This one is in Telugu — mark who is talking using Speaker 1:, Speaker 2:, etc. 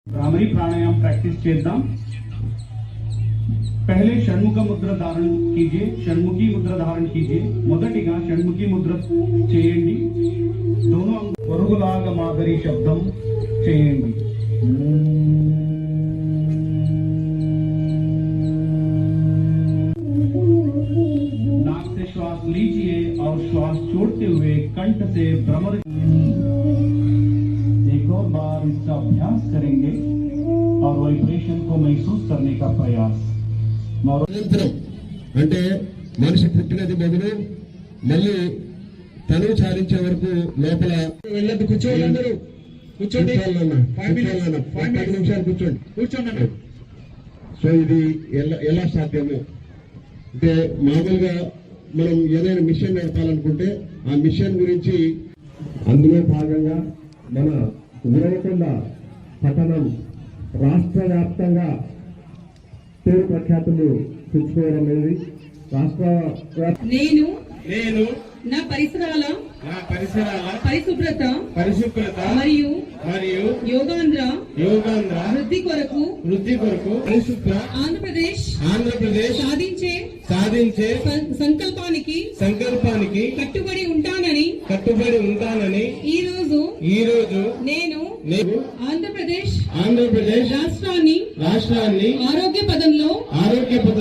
Speaker 1: भ्रामरी प्राणायाम प्रैक्टिस చేద్దాం। पहले षण्मुख मुद्रा धारण कीजिए, षण्मुखी मुद्रा धारण कीजिए। మొదటిగా షణ్ముఖి ముద్ర చేయండి। दोनों పొరుగులాగ మాదిరి శబ్దం చేయండి। नाक से श्वास लीजिए और श्वास छोड़ते हुए कंठ से भ्रमर। एक और बार इसका अभ्यास करेंगे और वाइब्रेशन को महसूस करने का प्रयास।
Speaker 2: అంటే మనిషి పుట్టినది మొదలు మళ్ళీ తనువు చాలించే వరకు లోపల వెళ్ళదు। కూర్చోండి, అందరూ కూర్చోండి, 5 నిమిషాలు కూర్చోండి। సో ఇది ఎలా సాధ్యము అంటే మామూలుగా మనం ఏదైనా మిషన్ నడపాలనుకుంటే ఆ మిషన్ గురించి అందులో భాగంగా మన ఉరవకొండ పట్టణం రాష్ట్ర వ్యాప్తంగా పేరు ప్రఖ్యాతులు తెచ్చుకోవడం అనేది
Speaker 3: నేను నా పరిసరాల పరిశుభ్రత మరియు యోగాంధ్ర వృద్ధి కొరకు
Speaker 2: పరిశుభ్ర
Speaker 3: ఆంధ్రప్రదేశ్ సాధించే సంకల్పానికి కట్టుబడి ఉంటానని ఈ రోజు నేను ఆంధ్రప్రదేశ్ రాష్ట్రాన్ని ఆరోగ్య పదంలో